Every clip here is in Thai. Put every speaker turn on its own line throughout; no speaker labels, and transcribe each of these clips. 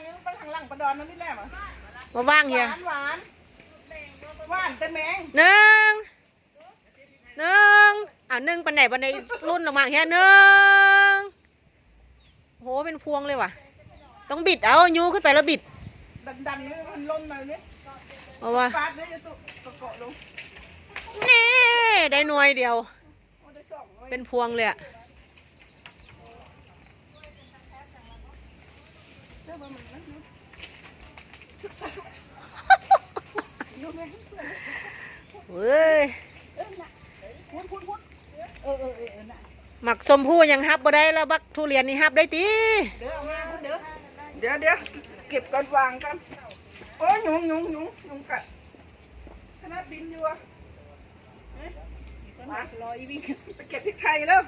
ไปทางหลังประดอนนั่นนี่แหละ
มาว่างเฮีย
หวานแต่แมง
หนึ่งหนึ่งปันไหนปันไหนรุ่นออกมาเฮียหนึ่งโหเป็นพวงเลยว่ะต้องบิดเอายูขึ้นไปแล้วบิด
ดันเลยมันล้มมาเนี่ย
เอาว่า
ฟาดเลยจะตุกเกาะลง
นี่ได้หน่วยเดียวเป็นพวงเลยอะเว้ยหมักสมพู่ยังฮับบ่ได้แล้วบักทุเรียนนี่ฮับได้ตี
เดี๋ยวเก็บก่อนวางกันโอ้ยยุงกัดขนาดดินอยู่อ่ะรออีวิ่งไปเก็บพริกไทยแล้ว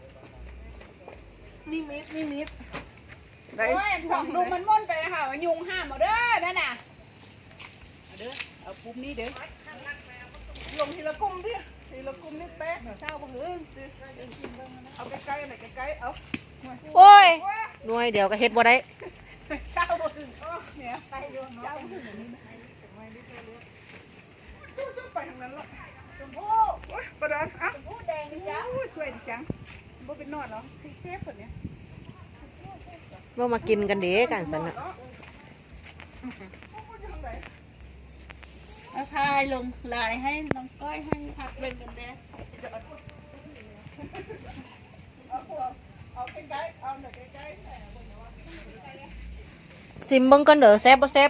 นี่มิด
โอ้ยสองดูมันม่นไปค่ะยุงห้ามเอาเด้อนั่นน่ะ
เด้อเอาปุ่มนี้เด้อลงทีละกลุ่มพี่ทีละกลุ่มนี่แป๊ะเศร้าบ่หื้อเอาใกล้ๆหน่อยใกล้ๆเอา
โอ้ยหน่วยเดียวก็เฮ็ดบ่ได้
เศร้าบ่หื้อเนี่ยไปโยนเศร้าบ่หื้อไปทางนั้นละ
ชมพู่
ประดอนอ่ะ
ชมพู่แดงจ้ะ
สวยจังบ่เป็นนอดเหรอเซฟคนเนี้ย
บ่มากินกันเด้กันสันน่ะ
เอาพายลงลายให้น้องก้อยให้พักเป็นกันแน่
เอาใกล้ๆเอาหน่อยใกล้
ๆซิมเบิ่งก่อนเด้อแซ่บบ่แซ่บ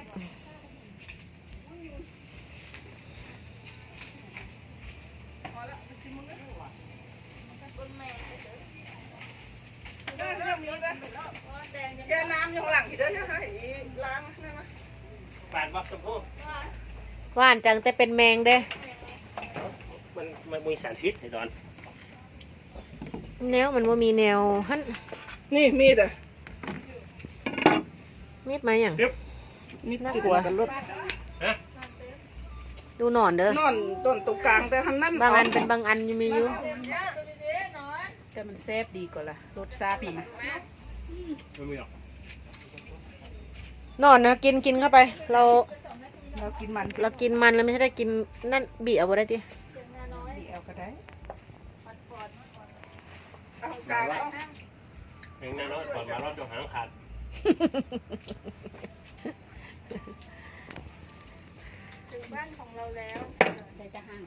แกน้ำอยู่หลังอีกเด้อใช่ไหมล้างนั่นนะ
บาดวักชมพู่
หวานจังแต่เป็นแมงเด้
มันมีสารพิษไอ้ดอน
แนวมันว่ามีแนวหั่น
นี่มีดอ่ะ
มีดไหมอย่าง
มีด
น่ากลัวดูหนอนเด้อน
อนต้นตรงกลางแต่หันนั่น
บางอันเป็นบางอันยังมีอยู่
แต่มันแซ่บดีกว่าล่ะรสชาติมัน
ไม่มีหรอก
นอนนะกินเข้าไปเรา
กินมัน
แล้วไม่ใช่ได้กินนั่นบีเอาบ่ได้ติ
เอาก็ได้เอากลางเอา
เองนะน้อยก่อนมารอดจงหางขาด
ถึงบ้านของเราแล้วแต่จะห่าง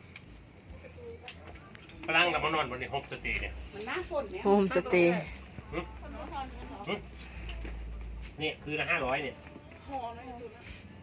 พลังกับมานอนบนนี้โฮมสเตย์เนี่ย
มันหน้าฝนเนี่ย
โฮมสเตย์
นี่คือละ500เนี่ย